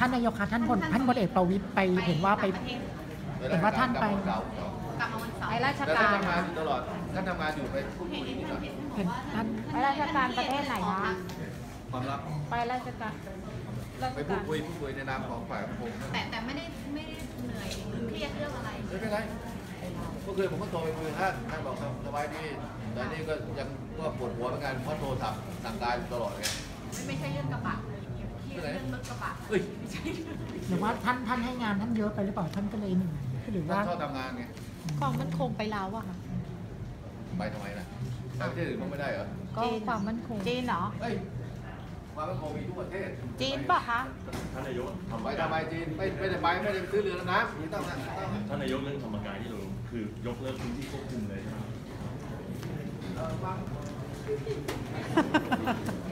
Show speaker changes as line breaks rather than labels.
านนายกคะท่านพลเอกประวิตรไปเห็นว่าไปเห็นว่าท่านไป
กลับมาวันเสาร์
ไปราช
แต่
การ
ท่านทำงานอยู่ตลอดท่านทำงานอยู่ไปพูดคุยนี่ก่อน
เห็นท่าน
ไปราชการประเทศไหนคะ
ความลับ
ไปราชการ
ไปพูดคุยในนามของฝ่ายปกครอง
แต่ไม่ได้เหนื่อยหรือเครียดเรื่องอะไร
ไม่เป็นไรเมื่อคืนผมก็โทรไปคุยกับท่านบอกสบายดีแต่นี่ก็ยังก็ปวดหัวเหมือนกันเพราะโทรศัพท์สั่งการอยู่ตลอดไง
ไม่ใช่เรื่องกระบะเลยเครียดเรื่องรถกระบะไม่ใช่
หรือว่าท่านให้งานท่านเยอะไปหรือเปล่าท่านก็เลยเหนื่อยหรือว่า
ท่านชอบทำงานไง
ความมั่นคงไปแล้วอะค่ะ
ไปทำไมล่ะไปประเทศอื่นมันไม่ได้เหรอ
ก็ความมั่นคงจีนเหรอ
เฮ้ยความมั่นคงมีทุกประเทศ
จีนป่ะคะ
ท่านนายก
ไปทำไมจีนไม่ได้ไปซื้อเรือดำน้ำไม่ต้องนะ
ท่านนายกเรื่องธรรมกายที่เราคือยกเลิกพื้นที่ควบคุมเลยใช่ไหม